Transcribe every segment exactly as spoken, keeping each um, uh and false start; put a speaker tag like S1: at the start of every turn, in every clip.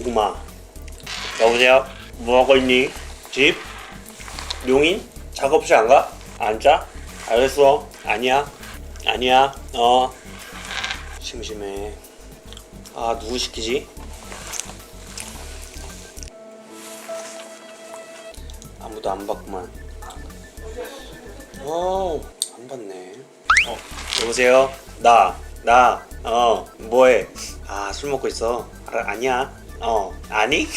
S1: 누구마? 여보세요? 뭐하고 있니? 집? 용인? 작업실 안 가? 안 짜? 알겠어. 아니야. 아니야. 어. 심심해. 아, 누구 시키지? 아무도 안 받구만. 어, 안 받네. 어, 여보세요? 나, 나, 어, 뭐해? 아, 술 먹고 있어. 아, 아니야. 어, 아니?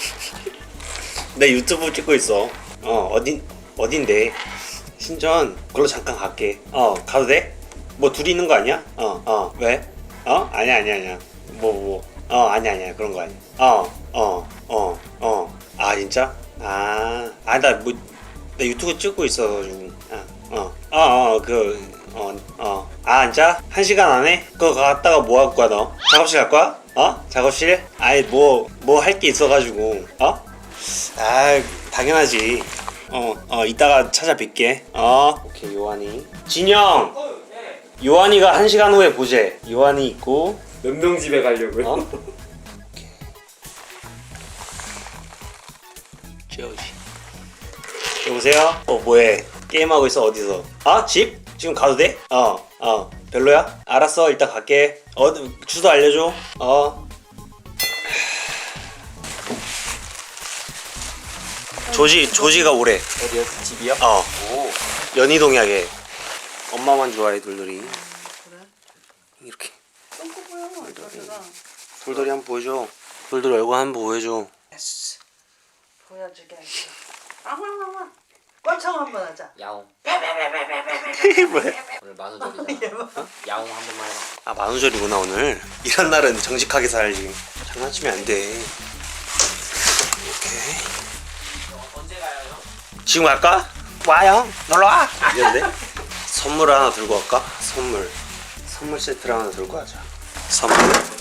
S1: 나 유튜브 찍고 있어. 어, 어딘, 어딘데? 신전, 그걸로 잠깐 갈게. 어, 가도 돼? 뭐 둘이 있는 거 아니야? 어, 어, 왜? 어? 아니야, 아니야, 아니야. 뭐, 뭐. 어, 아니야, 아니야. 그런 거 아니야. 어, 어, 어, 어. 아, 진짜? 아, 아, 나 뭐, 나 유튜브 찍고 있어가지고. 아, 어, 어, 어, 그, 어, 어. 아, 진짜? 한 시간 안에? 그거 갔다가 뭐 할 거야, 너? 작업실 갈 거야? 어? 작업실? 아이, 뭐, 뭐 할 게 있어가지고. 어? 아, 당연하지. 어, 어, 이따가 찾아뵐게. 어, 오케이, 요한이. 진영! 요한이가 한 시간 후에 보재. 요한이 있고.
S2: 몇 명 집에 가려고요?
S1: 어? 저지. 여보세요? 어, 뭐해? 게임하고 있어, 어디서? 아, 집? 지금 가도 돼? 어, 어. 별로야? 알았어, 이따 갈게. 어, 주소 알려줘. 어. 조지, 조지가 오래.
S2: 어디요? 집이요?
S1: 어.
S2: 오.
S1: 연희동이야, 걔. 엄마만 좋아해, 돌돌이.
S3: 그래?
S1: 이렇게.
S3: 똥꼬 보여, 돌돌아.
S1: 돌돌이 한번 보여줘. 돌돌이 얼굴 한번 보여줘.
S3: 예스. 보여주게 할게. 앙앙앙앙. 꼴창 한번 하자.
S2: 야옹.
S1: 뭐야?
S2: 오늘 만우절이잖아. 어? 야옹 한 번만 해봐.
S1: 아, 만우절이구나, 오늘. 이런 날은 정직하게 살지. 장난치면 안 돼. 오케이.
S2: 언제 가요, 형?
S1: 지금 갈까? 와요. 놀러 와. 이런데? 선물 하나 들고 갈까? 선물. 선물 세트를 하나 들고 가자. 선물.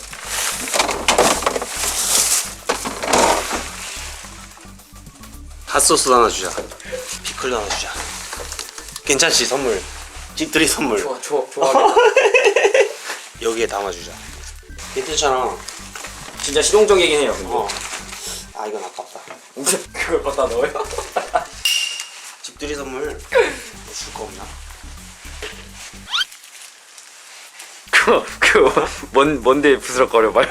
S1: 핫소스 하나 주자. 피클도 하나 주자. 괜찮지, 선물. 집들이 선물.
S2: 좋아, 좋아, 좋아.
S1: 여기에 담아주자. 괜찮잖아.
S2: 진짜 실용적이긴 해요, 근데.
S1: 어. 아, 이건 아깝다.
S2: 그걸 갖다 넣어요?
S1: 집들이 선물 줄 거 없나?
S2: 그거, 그거, 뭔, 뭔데 부스럭거려봐요?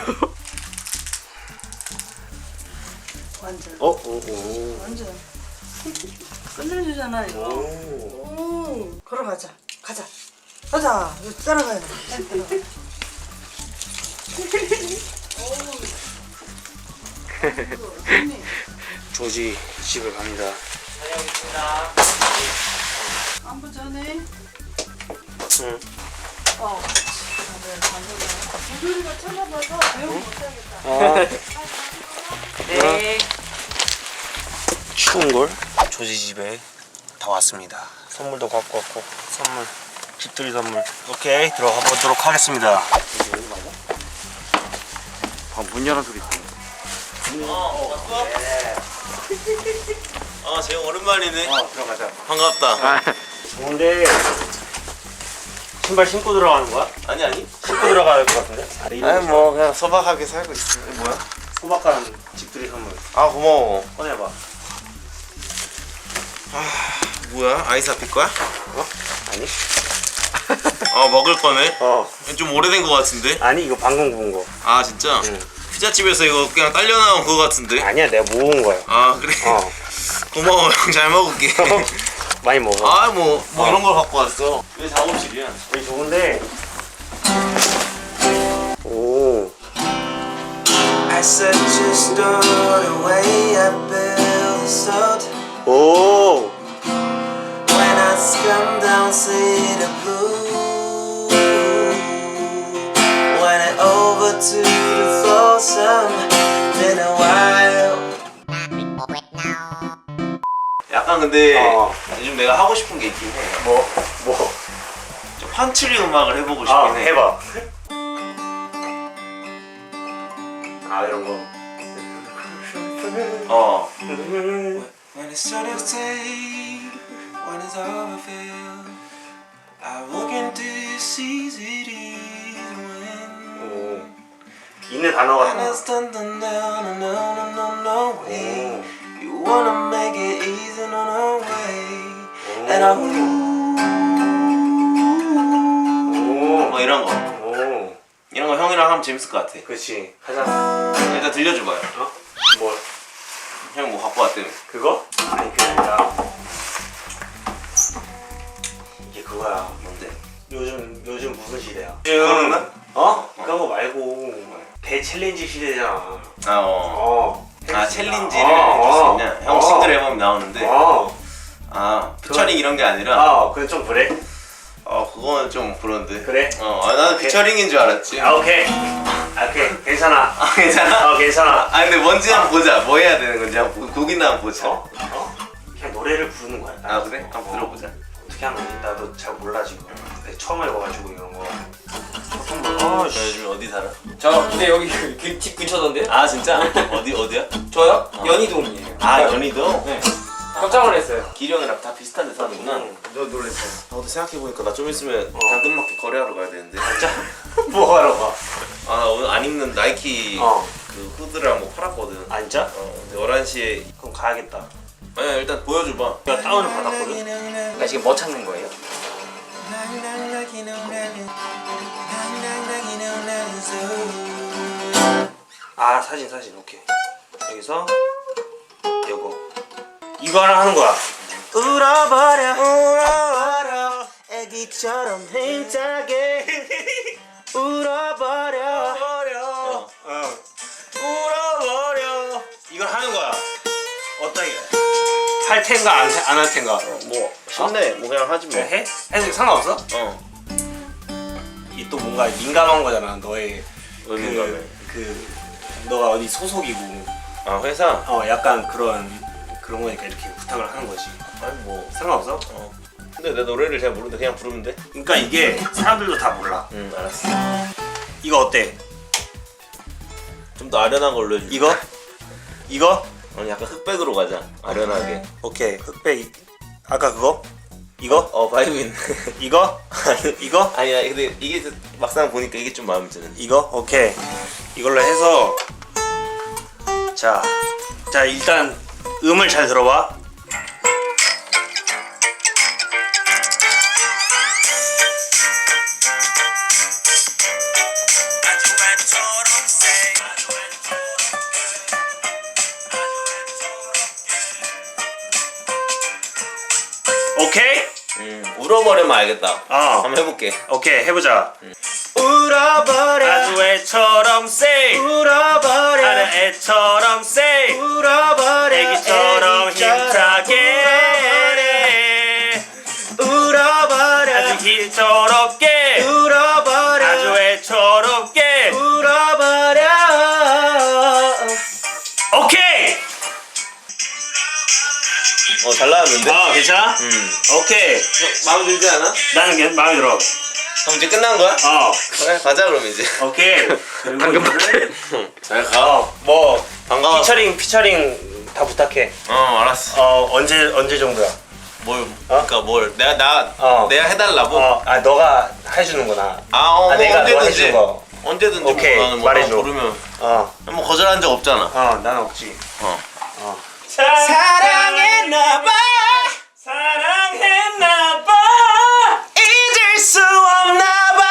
S3: 완전.
S1: 어? 오, 오.
S3: 완전. 끝내주잖아, 이거.
S1: 오.
S3: 오. 걸어가자. 가자. 가자. 이거 따라가야 돼.
S1: 조지 집을 갑니다.
S2: 다녀오겠습니다.
S3: 안부 전에.
S1: 응.
S3: 어. 다들 반대가. 도돌이가 찾아봐서 배우 못하겠다.
S1: 아,
S2: 네.
S1: 추운 걸 조지 집에 다 왔습니다. 선물도 갖고 왔고 선물 집들이 선물. 오케이, 들어가 보도록 하겠습니다.
S2: 아, 문 열어 소리 있어.
S1: 어, 왔어? 아, 재영 오랜만이네.
S2: 어, 들어가자.
S1: 반갑다.
S2: 아,
S1: 좋은데 신발 신고 들어가는 거야? 아니 아니. 신고 들어가야 될 것 같은데?
S4: 아니 뭐 그냥 소박하게 살고 있어.
S1: 뭐야? 소박한 집들이 선물.
S4: 아 고마워.
S1: 꺼내봐.
S4: 뭐야? 아이스 아필 거야?
S1: 어? 아니?
S4: 아 먹을 거네.
S1: 어.
S4: 좀 오래된 거 같은데.
S1: 아니, 이거 방금 구운 거.
S4: 아 진짜?
S1: 응.
S4: 피자집에서 이거 그냥 딸려 나온 그거 같은데.
S1: 아니야, 내가 모은 거야.
S4: 아 그래?
S1: 어.
S4: 고마워 형. 잘 먹을게.
S1: 많이 먹어.
S4: 아 뭐 뭐
S1: 어.
S4: 이런 걸 갖고 왔어. 왜 작업실이야?
S1: 여기 좋은데. 오.
S5: I said just throw the way I built
S1: 오.
S5: when I come down see the blue when it over to the foursome been a while.
S4: 약간 근데
S1: 어.
S4: 요즘 내가 하고 싶은 게 있긴 해.
S1: 뭐? 뭐?
S4: 좀 판트리 음악을 해보고 싶긴
S1: 아,
S4: 해.
S1: 해봐. 아, 이런 거.
S4: 어.
S5: When it's started to take, when it's all I feel, I look into your cities when
S1: 오. 있는 단어
S5: when
S1: 같아.
S5: it's done done down and
S1: 대나무. 오.
S4: 뭐 이런 거.
S1: 오.
S4: 이런 거 형이랑 하면 재밌을 것 같아.
S1: 그렇지. 하자.
S4: 일단 들려줘봐요.
S1: 어? 뭘?
S4: 형 뭐 갖고 왔다며.
S1: 그거? 아니 그게 아니라 이게 그거야.
S4: 뭔데?
S1: 요즘 요즘 무슨 시대야?
S4: 그런
S1: 요즘 어? 그런 거 말고 대 챌린지 시대잖아.
S4: 아 어.
S1: 어.
S4: 아 챌린지를
S1: 어,
S4: 해줄 수
S1: 어.
S4: 있냐? 형
S1: 어.
S4: 싱글 앨범 나오는데.
S1: 어.
S4: 아 피처링 이런 게 아니라.
S1: 아, 그건 좀 그래?
S4: 어 그거는 좀 그런데.
S1: 그래?
S4: 어 아, 나는
S1: 오케이.
S4: 피처링인 줄 알았지.
S1: 아, 오케이. 아, 오케이. 괜찮아.
S4: 아, 괜찮아?
S1: 어, 괜찮아.
S4: 아 근데 뭔지 한번 보자. 뭐 해야 되는 건지 한번 보- 곡이나 한번 보자.
S1: 어? 어? 그냥 노래를 부르는 거야.
S4: 아 그래? 한번 들어보자.
S1: 어떻게 하는 거지? 나도 잘 몰라 지금. 내가 처음 해봐가지고 이런 거.
S4: 너 요즘 어디 살아?
S2: 저 근데 여기 그, 그 집 근처던데?
S4: 아 진짜? 어디 어디야?
S2: 저요? 연희동이에요.
S4: 아 연희도?
S2: 네. 깜짝 놀랐어요.
S4: 기령이랑 다 비슷한 데 사는구나.
S1: 너 놀랬어.
S4: 나도 생각해보니까 나 좀 있으면 당근마켓 거래하러 가야 되는데.
S1: 진짜? 뭐 하러 가?
S4: 아 나 오늘 안 입는 나이키
S1: 어.
S4: 그 후드랑 뭐 팔았거든.
S1: 아, 진짜?
S4: 어 근데 열한 시에
S1: 그럼 가야겠다.
S4: 아니야 일단 보여줘봐.
S1: 내가 다운을 받았거든?
S2: 그러니까 지금 뭐 찾는 거예요?
S1: 아, 사진 사진. 오케이. 여기서 요거. 이거 하나 하는 거야. 울어버려 울어버려 애기처럼 힘차게 울어버려 울어버려 어. 울어버려 이걸 하는 거야. 어떻게 할 텐가 안 할 텐가?
S4: 뭐 쉽네. 뭐 그냥 하지 뭐.
S1: 해? 해도 상관없어?
S4: 어.
S1: 이 또 뭔가 민감한 거잖아. 너의
S4: 왜 민감해?
S1: 그, 그 너가 어디 소속이고
S4: 아 회사?
S1: 어 약간 그런 그런 거니까 이렇게 부탁을 하는 거지.
S4: 아니 뭐.
S1: 상관없어?
S4: 어. 근데 내 노래를 잘 모르는데 그냥 부르면 돼?
S1: 그러니까 이게 사람들도 다 몰라.
S4: 응 알았어.
S1: 이거 어때?
S4: 좀 더 아련한 걸로 해줄게.
S1: 이거? 이거?
S4: 아니 약간 흑백으로 가자. 아련하게.
S1: 오케이. 흑백. 아까 그거? 이거?
S4: 어 바이브 있네.
S1: 이거? 이거?
S4: 아니야 근데 이게 좀 막상 보니까 이게 좀 마음에 드는.
S1: 이거? 오케이. 이걸로 해서 자, 자 일단 음을 잘 들어봐. 오케이?
S4: 음 울어버리면 알겠다.
S1: 어.
S4: 한번 해볼게.
S1: 오케이 해보자. 울어버려 아주 애처럼 say 울어버려 하는 애처럼 say 울어버려 애기처럼 힘차게 울어버려 아주 희처롭게 울어버려 아주 애처롭게 울어버려 오케이.
S4: 어 잘 나왔는데?
S1: 아 괜찮아?
S4: 음
S1: 오케이.
S4: 마음에 들지 않아?
S1: 나는 괜 마음에 들어.
S4: 그럼 이제 끝난 거야?
S1: 어
S4: 그래 가자 그럼 이제.
S1: 오케이.
S2: 방금 밖에.
S4: 잘 가.
S1: 어, 뭐
S4: 반가워.
S1: 피처링 피처링 다 부탁해.
S4: 어 알았어.
S1: 어 언제 언제 정도야?
S4: 뭘 그러니까 뭘 내가 나
S1: 어.
S4: 내가 해달라고?
S1: 어, 아 너가 해주는구나.
S4: 아, 어,
S1: 아, 내가 너가
S4: 언제든지
S1: 해준 거.
S4: 언제든지
S1: 오케이,
S4: 뭐 나는 뭐
S1: 말해줘.
S4: 부르면
S1: 어,
S4: 뭐 거절한 적 없잖아.
S1: 어, 난 없지.
S4: 어.
S1: 어.
S4: 사랑했나봐.
S1: 사랑했나봐.
S4: 잊을 수 없나봐.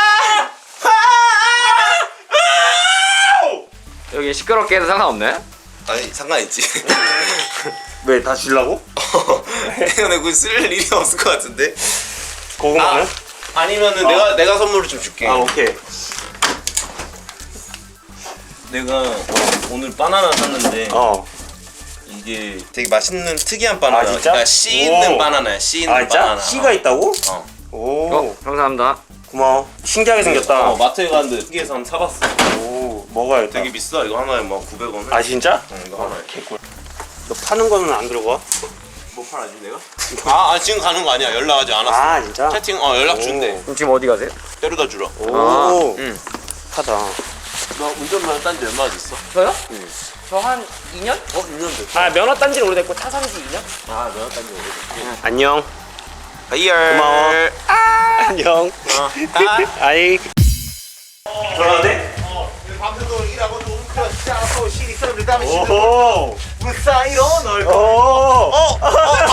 S2: 여기 시끄럽게 해도 상관없네?
S4: 아니 상관 있지.
S1: 왜 다 주려고?
S4: 근데 그거 쓸 일이 없을 것 같은데.
S1: 고구마는?
S4: 아, 아니면은
S1: 어.
S4: 내가 내가 선물을 좀 줄게.
S1: 아, 오케이.
S4: 내가 오늘 바나나 샀는데
S1: 어.
S4: 이게 되게 맛있는 특이한 바나나.
S1: 아, 진짜?
S4: 그러니까 씨 있는
S1: 오.
S4: 바나나야. 씨 있는
S1: 아, 진짜?
S4: 바나나.
S1: 씨가 있다고?
S4: 어.
S1: 오.
S2: 어, 감사합니다.
S1: 고마워. 신기하게 생겼다.
S4: 어, 마트에 갔는데 특이해서 한번 사봤어.
S1: 오, 먹어야겠다.
S4: 되게 비싸. 이거 하나에 막 구백 원.
S1: 아, 진짜?
S4: 응, 이거 하나에.
S1: 개꿀. 너 파는 거는 안 들고 와?
S4: 뭐 팔아지 내가? 아, 아 지금 가는 거 아니야. 연락하지 않았어.
S1: 아, 진짜?
S4: 채팅 어 연락
S1: 오.
S4: 준대.
S2: 그럼 지금 어디 가세요?
S4: 데려다 주러.
S1: 오.
S2: 아,
S4: 응.
S1: 하다.
S4: 너 운전면허 딴지 얼마나 됐어?
S2: 저요? 저 한 이 년?
S4: 어, 이 년 됐어.
S2: 아, 면허 딴 지는 오래됐고 차 산지 이 년?
S4: 아, 면허 딴지 오래됐지.
S1: 안녕.
S4: 하이얼.
S1: 고마워. 안녕.
S4: 어. 아.
S1: 아이. 돌아오네?
S5: 밤새도록 일하고 또 울크러시 짜서 시리 썰을 담으시는
S1: 오호.
S5: 물 사이로 널
S1: 오.
S4: 어, 어,